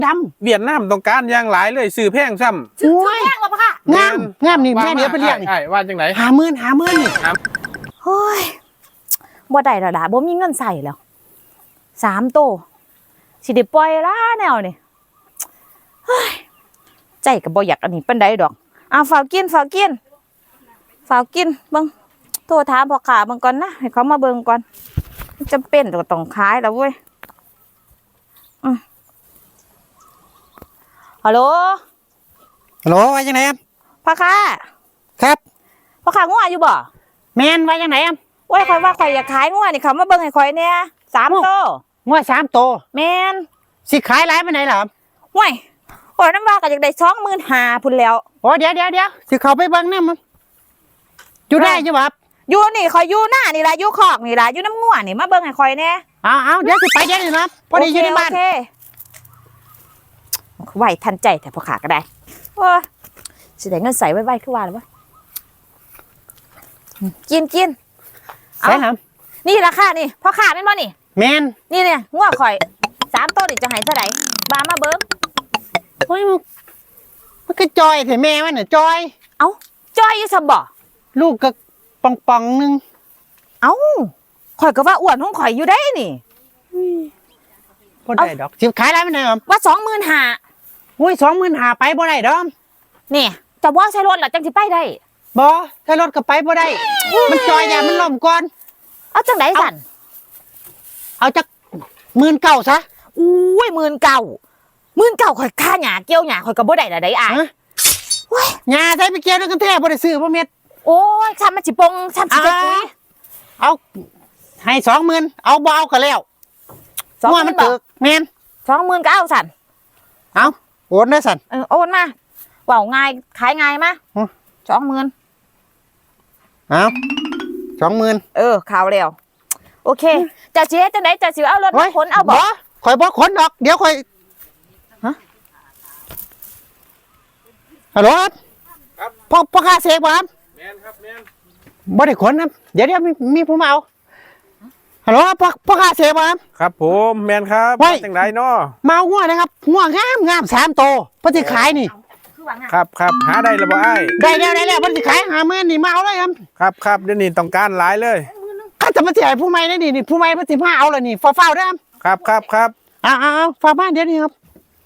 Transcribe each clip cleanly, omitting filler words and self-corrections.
ดำเวียดนามต้องการอย่างหลายเลยซื้อแพงซ้ำซื้อแพงวะปะค่ะงามนี่แม่เดี๋ยวไปเรียกนี่ว่าจังไหน 50,000นี่โอ้ยบ่ได้แล้วล่ะบ่มีเงินใส่แล้ว3 โตสิได้ปล่อยละแนวนี่เฮ้ยใจก็บ่อยากอันนี้ปานใดดอกฝากกินเบิ่งโทรถามพ่อค้าเบิ่งก่อนนะให้เขามาเบิ่งก่อนจำเป็นก็ต้องขายแล้วเว้ยฮัลโหลว่าจังไหนครับพ่อค้าครับพ่อค้างัวอยู่บ่แม่นว่าจังไหนครับโอ้ยข่อยว่าข่อยอยากขายงัวนี่เขามาเบิ่งให้ข่อยเนี่ย3 โตงัว3 โตแม่นสิขายหลายปานไหนล่ะครับห่วยโอ้ยน้ำว่าก็อยากได้25,000พุ่นแล้วโอ้เดี๋ยวสิเข้าไปเบิ่งนำอยู่ได้อยู่บ่ครับอยู่นี่ข่อยอยู่หน้านี่ล่ะอยู่คอกนี่ล่ะอยู่น้ำงัวนี่มาเบิ่งให้ข่อยแน่เอาเดี๋ยวสิไปเดี๋ยวนี้ครับพอดีอยู่ในบ้านไหวทันใจแต่พ่อค้าก็ได้โอ้ยสิได้เงินใส่ไว้คือว่าแล้ววะกินใช่ครับนี่ราคานี่พ่อค้าแม่นบ่นี่แม่นนี่เนี่ยงัวข่อย3 โตนี่จะให้เท่าไหร่บามาเบิ่งโอ้ยมันก็จอยแต่แม่มันน่ะจอยจ้อยอยู่ซะบ่ลูกก็ป่องนึงข่อยก็ว่าอ้วนของข่อยอยู่ได้นี่บ่ได้ดอกสิขายหลายปานไหนครับว่า25,000 อุ้ย25,000ไปบ่ได้ดอกนี่จะบ่ใช้รถล่ะจังสิไปได้บ่ถ้ารถก็ไปบ่ได้มันจอยอย่ามันล่มก่อนเอาจังได๋สั่นเอาจัก19,000ซะอุ้ย19,000ข่อยค่าหญ้าเกี่ยวหญ้าข่อยก็บ่ได้ล่ะได้อ้ายโอ้ยหญ้าใส่ไปเกี่ยวแล้วกันแท้บ่ได้ซื้อบ่เม็ดโอ้ยซ้ำมันสิปงซ้ำสิจะปุ๋ยเอาให้20,000เอาบ่เอาก็แล้ว20,000มันตึกแม่น 20,000ก็เอาสั่นเอาโอนได้สั่นโอนมาเว้าง่ายขายง่ายมา20,000 เอา20,000 ข่าวแล้วโอเคจะสิเฮ็ดจังได๋จะสิเอารถมาขนเอาบ่ข่อยบ่ขนดอกเดี๋ยวข่อยฮัลโหลครับพ่อค้าเสกบ่ครับแม่นครับแม่นบ่ได้ขนครับเดี๋ยวมีผู้มาเอาฮัลโหลพ่อค้าเสกบ่ครับครับผมแม่นครับจังไดเนาะมางัวนะครับงัวงาม3 โตเพิ่นสิขายนี่ครับหาได้แล้วบ่อ้ายได้แล้วเพิ่นสิขาย50,000นี่มาเอาเลยครับเดี๋ยวนี้ต้องการหลายเลยข้าจะมาสิให้ผู้ใหม่ได้นี่ผู้ใหม่เพิ่นสิมาเอาเลยนี่ฟ้าวๆเด้อครับเอาฟ้าบ้านเดี๋ยวนี้ครับ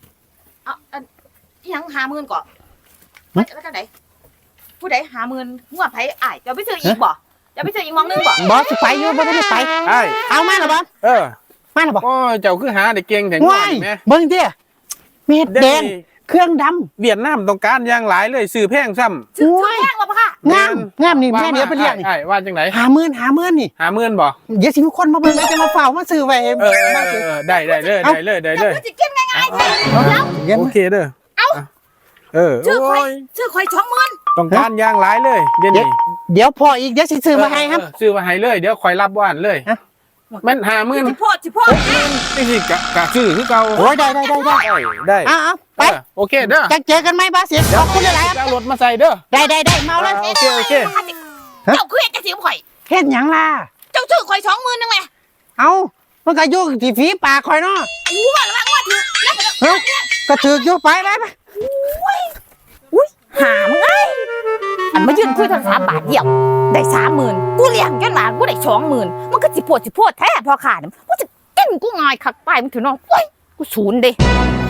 ยัง50,000ก่อนแล้วจังได๋ผู้ใด50,000งัวไผอ้ายจะไปซื้ออีกบ่จะไปซื้ออีกมองนึงบ่สิไปอยู่บ่ได้ไปอ้ายเอามาแล้วบ่มาแล้วบ่โอ้ยเจ้าคือหาได้เก่งแท้งัวนี่แม่เบิ่งติเม็ดแดงเครื่องดำเวียดนามต้องการอย่างหลายเลยซื้อแพงซ้ำซื้อแพงวะปะค่ะงามนี่แม่เดี๋ยวไปเรียกนี่ว่าจังไหน 50,000นี่ 50,000บ่เดี๋ยวสิมีคนมาเบิ่งจะมาเฝ้ามาซื้อไว้ได้เลยจะกินง่ายๆโอเคเด้อซื้อข่อย20,000 ต้องการอย่างหลายเลยเดี๋ยวพออีกเดี๋ยวสิซื้อมาให้ครับซื้อมาให้เลยเดี๋ยวคอยรับว่านเลยแม่น50,000 สิโพดนี่สิกะซื้อคือเก่าโอ้ยได้เอาไปโอเคเด้อจะเจอกันไหมบ้าเสียขอบคุณหลายๆเอารถมาใส่เด้อได้เมาเลยโอเคเจ้าคือเฮ็ดจังซี่ข่อยเฮ็ดหยังล่ะเจ้าซื้อข่อย20,000นึงแหมเอามันก็อยู่ที่ฝีปากข่อยเนาะว่าแล้วว่าถือก็ถืออยู่ไปอุ้ยหามึงไงอันมายืนคุยโทรศัพท์บาทเดียวได้30,000กูเลี้ยงจนหลานกูได้20,000มันก็สิโพดแท้พอขาดมันกูจะเต้นกูง่ายคักไปมึงถือน้องโอ้ยกูศูนย์เด้